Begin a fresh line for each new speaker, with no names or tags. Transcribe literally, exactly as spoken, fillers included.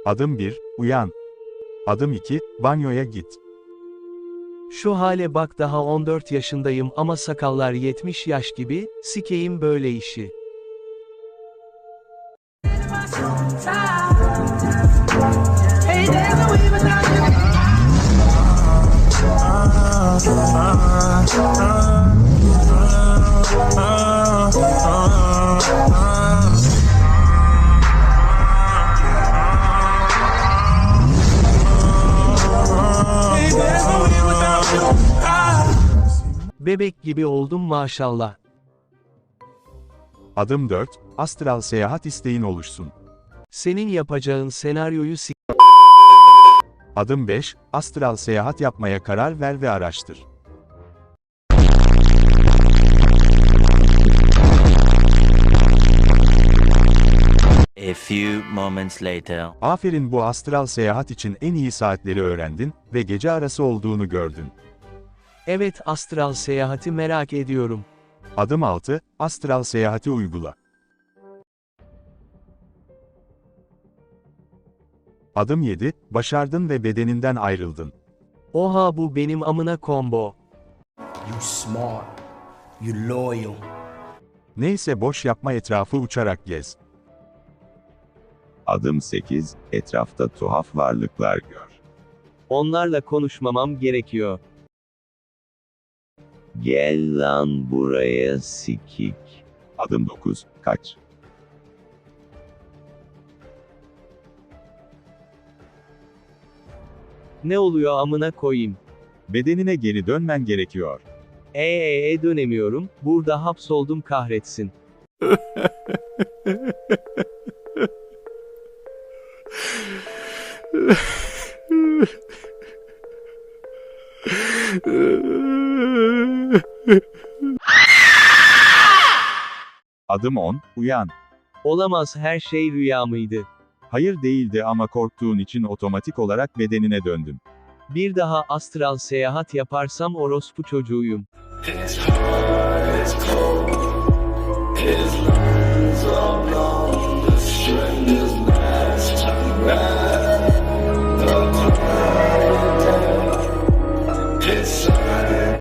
Adım bir, uyan. Adım iki, banyoya git.
Şu hale bak, daha on dört yaşındayım ama sakallar yetmiş yaş gibi, sikeyim böyle işi. Bebek gibi oldum maşallah.
Adım dört, astral seyahat isteğin oluşsun.
Senin yapacağın senaryoyu s-
Adım beş, astral seyahat yapmaya karar ver ve araştır.
A few moments later.
Aferin, bu astral seyahat için en iyi saatleri öğrendin ve gece arası olduğunu gördün.
Evet, astral seyahati merak ediyorum.
Adım altı, astral seyahati uygula. Adım yedi, başardın ve bedeninden ayrıldın.
Oha, bu benim amına combo.
You smart. You loyal.
Neyse, boş yapma, etrafı uçarak gez.
Adım sekiz, etrafta tuhaf varlıklar gör.
Onlarla konuşmamam gerekiyor.
Gel lan buraya sikik. Adım dokuz, kaç.
Ne oluyor amına koyayım?
Bedenine geri dönmen gerekiyor.
Eee e, dönemiyorum, burada hapsoldum kahretsin.
Adım on, uyan.
Olamaz, her şey rüya mıydı?
Hayır, değildi ama korktuğun için otomatik olarak bedenine döndün.
Bir daha astral seyahat yaparsam orospu çocuğuyum.